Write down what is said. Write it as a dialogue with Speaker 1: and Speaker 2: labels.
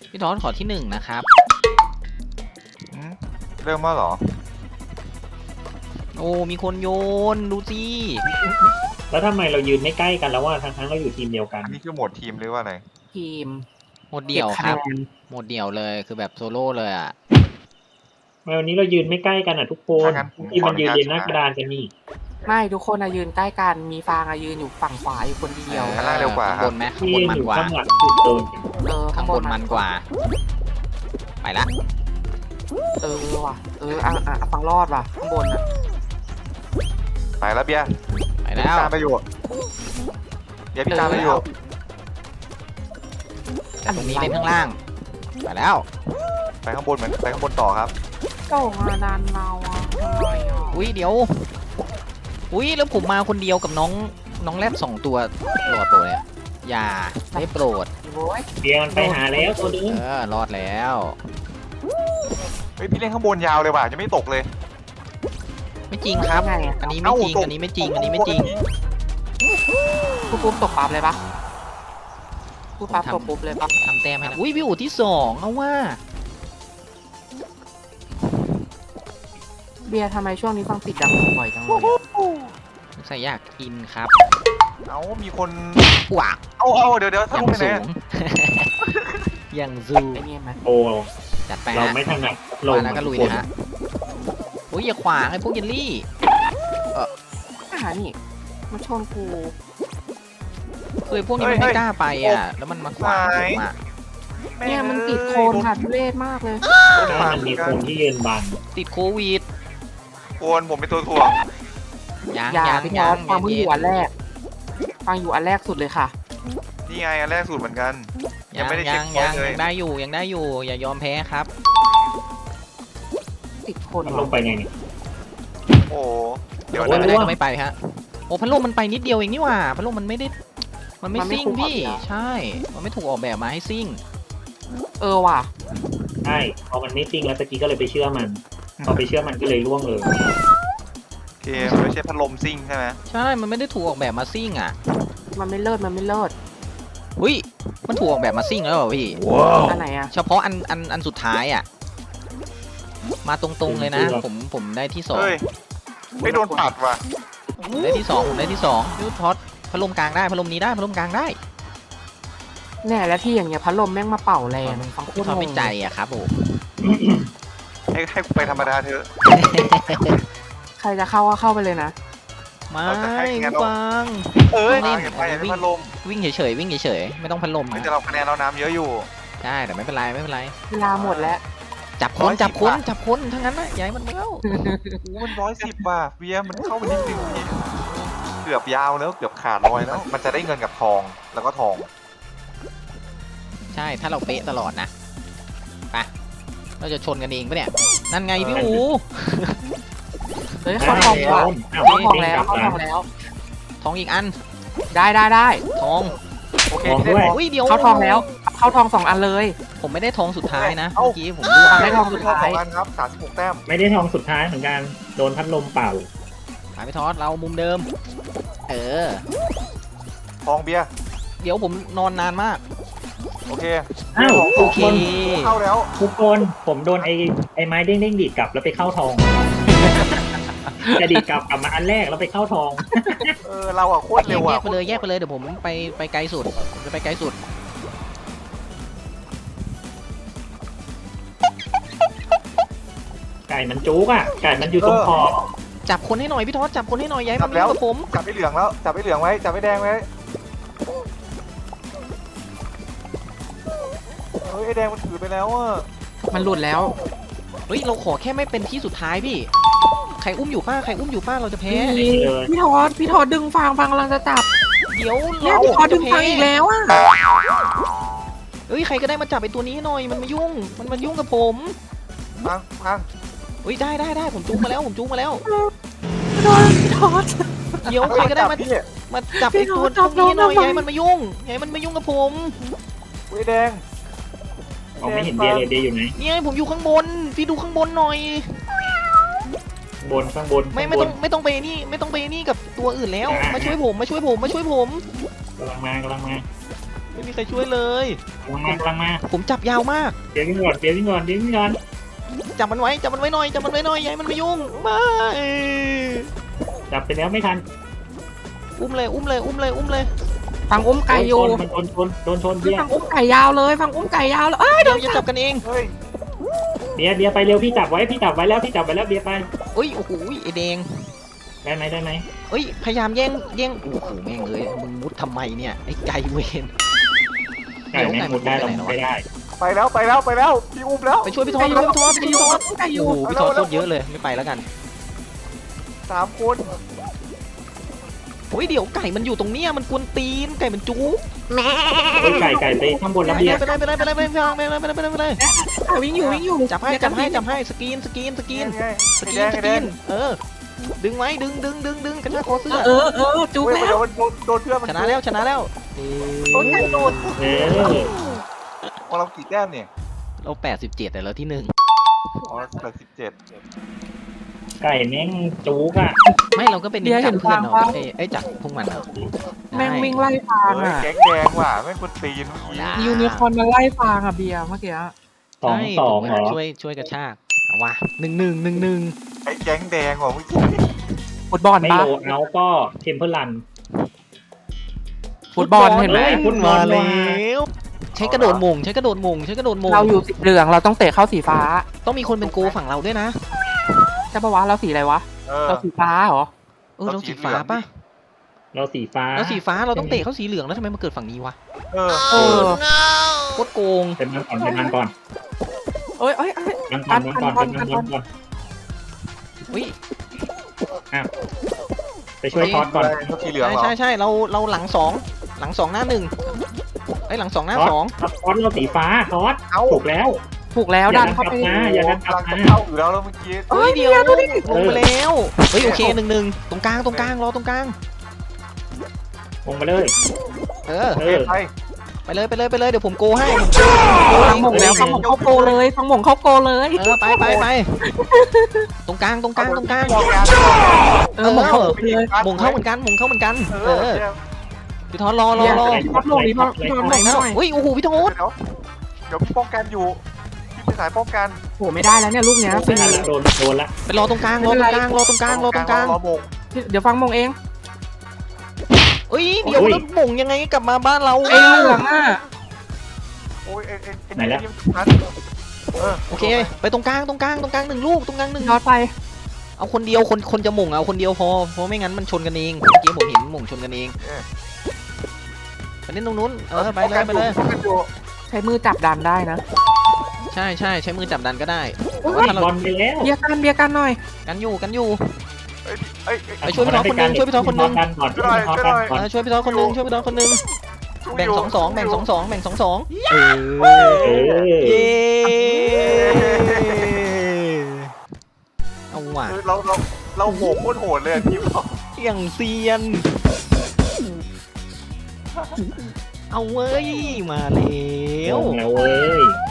Speaker 1: พี่ทอดขอที่หนึ่งนะครับ
Speaker 2: เริ่มมาเหรอ
Speaker 1: โอ้มีคนโยนดูสิ
Speaker 3: แล้วทำไมเรายืนไม่ใกล้กันแล้วว่าทั้งเราอยู่ทีมเดียวกัน
Speaker 2: อันนี้คือโหมดทีมหรือว่าอะไร
Speaker 4: ทีม
Speaker 1: หมดเดี่ยวครับ
Speaker 3: เก็คะแนน
Speaker 1: หมดเดี่ยวเลยคือแบบโซโล่เลยอ่ะ
Speaker 3: ทำไมวันนี้เรายืนไม่ใกล้กันอ่ะทุกคน
Speaker 2: ถ้างั้นผม
Speaker 3: ที่มันยืน
Speaker 2: ขออนุญาต
Speaker 3: เรียงหน้ากระดานกันนี่
Speaker 4: ไม่ทุกคนยืนใกล้กันมีฟางยืนอยู่ฝั่งขวาอยู่คนเดียว
Speaker 2: ข้างล่างเร็วกว่า
Speaker 1: ข้าง
Speaker 2: ครับ
Speaker 1: บนไหมข้าง
Speaker 3: ที่
Speaker 1: บน
Speaker 3: ยืน
Speaker 1: มั
Speaker 3: อน ยู่
Speaker 1: กว่า
Speaker 3: ข้างหลังสุดโดน
Speaker 1: ข้างบนมันกว่า ไปละ
Speaker 4: ว่ะฟังรอดว่ะข้างบนอ่ะ
Speaker 2: ไปแล้วเบียร์
Speaker 1: ไป
Speaker 2: พี่
Speaker 1: แล้ว
Speaker 2: ตามไปอยู่เบียร์พี่ตามไปอยู่
Speaker 1: แต่ตรงนี้เล่นข้างล่างไปแล้ว
Speaker 2: ไปข้างบนเหมือนไปข้างบนต่อครับ
Speaker 4: โด่งนานเราอ่ะทำไมอ่ะ
Speaker 1: อุ้ยเดี๋ยวอุ้ยแล้วผมมาคนเดียวกับน้องแรด2 ตัวรอดโปรดเนี่ยอย่าได้โปรด
Speaker 4: โว้ย
Speaker 3: เบียร์มันไปหาแล้วตัวนึง
Speaker 1: รอดแล้ว
Speaker 2: เฮ้ยพี่เล่นข้างบนยาวเลยว่ะจะไม่ตกเลย
Speaker 1: ไม่จริงครับ
Speaker 4: ไงอ่ะ
Speaker 1: อันนี้ไม่จริง อันนี้ไม่จริง อันนี้ไม่จริง
Speaker 4: ปุ๊บตกปั๊บเลยปะปุ๊บปั๊บตกปุ๊บเลยปะ
Speaker 1: ทำแต้มให้แล้วอุ้ยพี่อู๋ที่2เอาว่า
Speaker 4: เบียร์ทำไมช่วงนี้ฟังติดดังบ่อยจังเลย
Speaker 1: ใส่อยากกินครับ
Speaker 2: เอ้ามีคน
Speaker 1: ปวก
Speaker 2: เอาเดี๋ยว
Speaker 1: อ
Speaker 2: ถ้า
Speaker 1: ย่าง
Speaker 2: ลงไปไหน
Speaker 1: สูง อย่างซู
Speaker 4: ไอ้นี่ไหม
Speaker 3: โอ้
Speaker 1: จัดไป
Speaker 3: เรา
Speaker 1: ฮะ
Speaker 3: ไม่ถนัดลง
Speaker 1: มาแล้วก็ลุยเลยฮะอุ้ยอย่าขวางไอ้พวกเยลลี่
Speaker 4: นี่มาชนกู
Speaker 1: คือไอ้พวกนี้มันไม่กล้าไปอ่ะ แล้วมันมาขวางผมอ่ะ
Speaker 4: เนี่ยมันติดโคนค่ะทุเรศมากเลย
Speaker 3: ถ้ามันมีคนที่ยืนบัง
Speaker 1: ติดโควิด
Speaker 2: โคนผมเป็นตัวถ่วง
Speaker 1: ยัง
Speaker 4: อย่า
Speaker 1: ยัง
Speaker 4: พี่
Speaker 1: ยั
Speaker 4: น้อง งฟังเพิ่งอยู่อันแรกฟังอยู่อันแรกสุดเลยค่ะ
Speaker 2: นี่ไงอันแรกสุดเหมือนกัน ยั
Speaker 1: ยัง ง
Speaker 2: ไม่ได้เช็
Speaker 1: ยั
Speaker 2: ค
Speaker 1: ง
Speaker 2: พอย
Speaker 1: ยั
Speaker 2: ต์
Speaker 1: ง
Speaker 2: เลย
Speaker 1: ยังได้อยู่ยังได้อยู่ อย่ายอมแพ้ครับ
Speaker 4: ติดโคน
Speaker 3: มันลงไปไงเนี่ย
Speaker 2: โอ้เดี๋ยว
Speaker 3: โอ้
Speaker 2: นะ
Speaker 1: ไม่ได้ก็ไม่ไปฮะโอ้พัดลมมันไปนิดเดียวเองนี่หว่าพัดลมมันไม่ได้มันไม่ซิ่งพี่ใช่ มันไม่ถูกออกแบบมาให้ซิ่ง
Speaker 4: ว่ะ
Speaker 3: ใช่พอมันไม่จริงแล้วตะกี้ก็เลยไปเชื่อมัน พอไปเชื่อมันก็เลยล่วงเลย
Speaker 2: โอเคมันไม่ใช่พัดลมซิ่งใช่ไหม
Speaker 1: ใช่ มันไม่ได้ถูกออกแบบมาซิ่งอ่ะ
Speaker 4: มันไม่เลิศมันไม่เลิศ
Speaker 1: อุ้ยมันถูกออกแบบมาซิ่งแล้วเหรอพี่
Speaker 4: อันไหนอ่ะ
Speaker 1: เฉพาะอันสุดท้ายอ่ะมาตรงๆเลยนะ ผมได้ที่2
Speaker 2: เฮ้ยไม่โดนปัดว่ะ
Speaker 1: ได้ที่2ผมได้ที่2ยูทอดพัดลมกลางได้พัดลมนี้ได้พัดลมกลางได้
Speaker 4: แน่แล้วที่อย่างเงี้ยพัดลมแม่งมาเป่าแรงฟังโค
Speaker 1: พี่
Speaker 4: ต
Speaker 1: ท
Speaker 4: ร
Speaker 1: อด
Speaker 4: ง
Speaker 1: ไม่
Speaker 4: ง
Speaker 1: ใจอ่ะครับผม
Speaker 2: ให้กูไปธรรมดาเถอะ
Speaker 4: ใครจะเข้าก็เข้าไปเลยนะ
Speaker 1: ไม่
Speaker 2: เราจะให้คะแนน
Speaker 1: ฟัง
Speaker 2: เอ้ย
Speaker 1: นี่
Speaker 2: เห็นไปพัดลม
Speaker 1: วิ่งเฉยๆวิ่งเฉยๆไม่ต้องพัดลม
Speaker 2: ไม่
Speaker 1: นะ
Speaker 2: จะเราคะแนนเราน้ำเยอะอยู่
Speaker 1: ได้แต่ไม่เป็นไรไม่เป็นไร
Speaker 4: เวลาหมดแล้ว
Speaker 1: จับคน
Speaker 2: 110
Speaker 1: จับคน
Speaker 2: บาท
Speaker 1: จับคนทั้งนั้นนะอย่าให้มันเข้า
Speaker 2: โอ้มัน110ว่ะเบียร์มันเข้าไปนิดนึงนี่เกือบยาวแล้วเกือบขาดลอยแล้ว มันจะได้เงินกับทองแล้วก็ทอง
Speaker 1: ใช่ถ้าเราเป๊ะตลอดนะไปเราจะชนกันเองปะเนี่ยนั่นไงพี่อู
Speaker 4: เฮ้ยเข้าทองว่ะ
Speaker 3: อ้าว
Speaker 4: เข้าทอง
Speaker 3: เด้ง
Speaker 4: แล้
Speaker 3: ก
Speaker 4: ว
Speaker 3: ลับ
Speaker 4: เข้า
Speaker 3: มา
Speaker 4: ทองแล้ว
Speaker 1: ทองอีกอัน
Speaker 4: ได้
Speaker 1: ทอง
Speaker 2: โอเค
Speaker 3: ทอง
Speaker 2: ที่ได้
Speaker 3: ด้วย
Speaker 2: ทอง
Speaker 1: อุ้ยเดี๋ยว
Speaker 4: เข้าทองแล้ว เข้าทอง2 อันเลย
Speaker 1: ผมไม่ได้ทองสุดท้ายนะ
Speaker 2: เอ้า
Speaker 1: เมื่อกี้ผมร่วง
Speaker 4: ได้ทองสุดท้าย
Speaker 2: สองอันครับ36แต้ม
Speaker 3: ไม่ได้ทองสุดท้ายเหมือนกัน โดนพัดลมเป่า
Speaker 1: หาไปทอดเรามุมเดิม เออ
Speaker 2: ทองเบียร์
Speaker 1: เดี๋ยวผมนอนนานมาก
Speaker 2: โอเค
Speaker 3: อ้าว
Speaker 1: โอเค
Speaker 2: เข้าแล้ว
Speaker 3: ทุกคนผมโดนไอ้ไม้เด้งดีดกลับแล้วไปเข้าทอง จะดีดกลับมาอันแรกแล้วไปเข้าทอง
Speaker 2: เราอะโคตรเร็ว
Speaker 1: แย
Speaker 2: อะ
Speaker 1: กไปเลยแยกไปเลยเดี๋ยวผมไปไกลสุดผมจะไปไกลสุด
Speaker 3: ไก่มันจุกอ่ะ ไก่มันอยู่ตรงคอ
Speaker 1: จับคนให้หน่อยพี่ทอดจับคนให้หน่อยย้ายมันมากับผม
Speaker 2: จับไอ้เหลืองแล้วจับไอ้เหลืองไว้จับไอ้แดงไว้เฮ้ยไอ้แดงมันถือไปแล้วอะ
Speaker 4: มันหลุดแล้ว
Speaker 1: เฮ้ยเราขอแค่ไม่เป็นที่สุดท้ายพี่ใครอุ้มอยู่ป้าใครอุ้มอยู่ป้าเราจะแพ้
Speaker 3: เลย
Speaker 4: พี่ทอดดึงฟางกำลังจะจับ
Speaker 1: เดี๋ยว
Speaker 4: เนี่ย
Speaker 1: เรา
Speaker 4: พี่ทอดดึ
Speaker 1: จะ
Speaker 4: ง
Speaker 1: แพ้
Speaker 4: ฟางอีกแล้วอ่ะ
Speaker 1: เฮ้ยใครก็ได้มาจับไอ้ตัวนี้หน่อยมันมายุ่งกับผม
Speaker 2: พัง
Speaker 1: เฮ้ยได้ผมจูงมาแล้วผมจูงมาแล้ว
Speaker 4: พี่ทอด
Speaker 1: เดี๋ยวใครก็ได้มา
Speaker 2: พี่
Speaker 1: จับไอ้ตัว
Speaker 4: จับ
Speaker 1: นี้หน่อย
Speaker 4: น้อง
Speaker 1: ย้ายมันมายุ่งย้ายมันมายุ่งกับผม
Speaker 2: ไอ้แดง
Speaker 3: มองไม่เห็นเดียเลยเดียอยู่ไหน
Speaker 1: เนี่ยผมอยู่ข้างบนพี่ดูข้างบนหน่อย
Speaker 3: บนข้างบน
Speaker 1: ไม่ต้องไปนี่ไม่ต้องไปนี่กับตัวอื่นแล้วมาช่วยผม
Speaker 3: กำลังมา
Speaker 1: โไม่มีใครช่วยเลย
Speaker 3: กำลังมา
Speaker 1: ผมจับยาวมาก
Speaker 3: เดี๋ยววิ่งก่อนเดี๋ยววิ่งก่อนเดี๋ยววิ่งก่อน
Speaker 1: จับมันไว้หน่อยอย่าให้มันมายุ่งมา
Speaker 3: จับไปแล้วไม่ทัน
Speaker 1: อุ้มเลย
Speaker 4: ฟังอุ้มไก่อยู่
Speaker 3: มันโดนชนเบียร์
Speaker 4: ฟังอุ้มไก่ยาวเลยฟังอุ้มไก่ยาวเลยเอ้ย
Speaker 1: เดี๋ยวอย่าจับกันเอง
Speaker 2: เฮ้ย
Speaker 3: เบียร์ไปเร็วพี่จับไว้แล้วเบียร์ไป
Speaker 1: อุ้ยโอ้โหไอแดง
Speaker 3: ได้ไหม
Speaker 1: เอ้ยพยายามแย่งโอ้โหแม่งเลยมึงมุดทำไมเนี่ยไอ้ไก่เวน
Speaker 3: ไก่แม่งมุดได้เราไม่ได้
Speaker 2: ไปแล้วพี่อุ้มแล้ว
Speaker 1: ไปช่วยพี่ทอด
Speaker 4: ไก่อยู่ไก่อ
Speaker 1: โอ้
Speaker 4: ยู่
Speaker 1: โหพี่ทอดโคตรเยอะเลยไม่ไปแล้วกัน
Speaker 2: 3 คน
Speaker 1: โอ้ยเดี๋ยวไก่มันอยู่ตรงเนี้ยมันกวนตีนไก่มันจู๊
Speaker 3: ไก่ไปข้างบนแล้วเบียร์
Speaker 1: ไปเลย
Speaker 4: ไก่วิ่งอยู่
Speaker 1: จับให้สกรีน ดึงไว้ดึงกระชากคอเสื้อ
Speaker 4: จุ๊บ
Speaker 2: เฮ้ย
Speaker 4: แล้ว
Speaker 2: เดี๋ยวมันโดนเพื่อนมัน
Speaker 1: ชนะแล้ว
Speaker 2: โดนไก่โดน
Speaker 3: เออ
Speaker 2: ของเรากี่แต้มเนี่ย
Speaker 1: เรา87แต่เราที่
Speaker 2: อ๋อ17
Speaker 3: ไก่แม่งจุกอ่ะ
Speaker 1: 1ไม่เราก็เป็นจับเพื่อนเราไอ้จับพวกมันเอา
Speaker 4: แม่งวิ่งไล่ฟาง
Speaker 2: เฮ้ย
Speaker 4: อ่ะ
Speaker 2: แก๊งแดงว่ะแม่งคนตีนเมื่อกี้
Speaker 4: ยูนิคอร์นมาไล่ฟางอ่ะเบียร์เมื่อกี้
Speaker 3: 2-2เหรอ
Speaker 1: ช่วยกระชากเอาว่ะ1
Speaker 2: ไอ้แก๊งแดงว่ะเมื่อกี้
Speaker 4: ฟุตบอล
Speaker 3: ไม่
Speaker 4: ปะ
Speaker 3: โลเอาก็เทมเพลรัน
Speaker 4: ฟุตบอลเห็นไหม
Speaker 3: ฟุตบอ
Speaker 1: มา
Speaker 3: ล
Speaker 1: แล้วใช้กระโดดมง
Speaker 4: เราอยู่สีเหลืองเราต้องเตะเข้าสีฟ้า
Speaker 1: ต้องมีคนเป็นโกฝั่งเราด้วยนะ
Speaker 4: ใช่ปะวะเราสีอะไรวะ
Speaker 2: เออ
Speaker 4: เราสีฟ้าเหรอ
Speaker 1: เราสีฟ้าป่ะ
Speaker 3: เราสีฟ้า
Speaker 1: เราสีฟ้าเราต้องเตะเข้าสีเหลืองแล้วทำไมมาเกิดฝั่งนี้วะ
Speaker 2: เออ
Speaker 4: เออ
Speaker 1: โคตรโกง
Speaker 3: เป็นมันก่อน
Speaker 4: เอ้ย
Speaker 3: มันก่อน
Speaker 1: อุ้ย
Speaker 3: ไปช่วยทอดก่อน
Speaker 2: เขาสีเหลืองเหรอ
Speaker 1: ใช่เราหลังสองหน้าหนึ่งไอ้หลังสองหน้าสอง
Speaker 3: ทอดเราสีฟ้าทอด
Speaker 2: เอ้า
Speaker 3: ถูกแล้ว
Speaker 4: ถูกแล้วดันเข้าไป
Speaker 3: อย่าดัน
Speaker 2: กำลังจะเข้าอยู่แล้วเมื่อกี้
Speaker 1: เฮ้ยเดี๋ยวลงไปแล้วเฮ้ยโอเค1 ตรงกลางรอตรงกลาง
Speaker 3: ลงมาเลย
Speaker 1: เออ
Speaker 3: เออ
Speaker 2: ไป
Speaker 1: ไปเลยเดี๋ยวผมโกให้
Speaker 4: ฟังหม่งแล้วฟังหม่งเข้าโกเลยฟังหม่งเข้าโกเลย
Speaker 1: ไปตรงกลาง
Speaker 2: บอกการ
Speaker 4: หม่งเข้าเลย
Speaker 1: มงเข้าเหมือนกันเออพี่ทอนรอ
Speaker 4: พับลงนี่พับลงหน่อย
Speaker 1: อุ้ยโอ้โหพี่ทอน
Speaker 2: เดี๋ยวพี่ป้องกันอยู่พี่เป็นสายป้องกัน
Speaker 4: โหไม่ได้แล้วเนี่ยลูกเนี้ย
Speaker 3: ไม่ทันละโดนละ
Speaker 1: ไปรอตรงกลางรอตรงกลาง
Speaker 2: รอโมง
Speaker 4: เดี๋ยวฟังหม่งเอง
Speaker 1: เอ้ยเดี๋ยวแล้วมงยังไงกลับมาบ้านเรา
Speaker 4: ไอ้เหลืองอ่ะ
Speaker 2: โอ้ย
Speaker 1: โอเคไปตรงกลาง1 ลูกตรงกลาง
Speaker 4: ยอดไป
Speaker 1: เอาคนเดียวคนจะมงเอาคนเดียวพอเพราะไม่งั้นมันชนกันเองเมื่อกี้ผมเห็นมงชนกันเองไปเล่นตรงนู้นไปเลย
Speaker 4: ใช้มือจับดันได้นะ
Speaker 1: ใช่ใช้มือจับดันก็ได้
Speaker 3: บอลไปแล้ว
Speaker 4: เบียร์กันหน่อย
Speaker 1: กันอยู่
Speaker 2: ไอ้
Speaker 1: ช่วยพี่ทอนคนนึง
Speaker 3: ช่วยพี่ทอนก่อน
Speaker 1: ช่วยพี่ทอนคนนึงแบ่ง2 เออเย้เอาว่ะ
Speaker 2: เราโหโคตรโหดเลยทีมเรา
Speaker 1: อย่างเซียนเอาเว้ยมาแล้ว
Speaker 3: แล้วเว้ย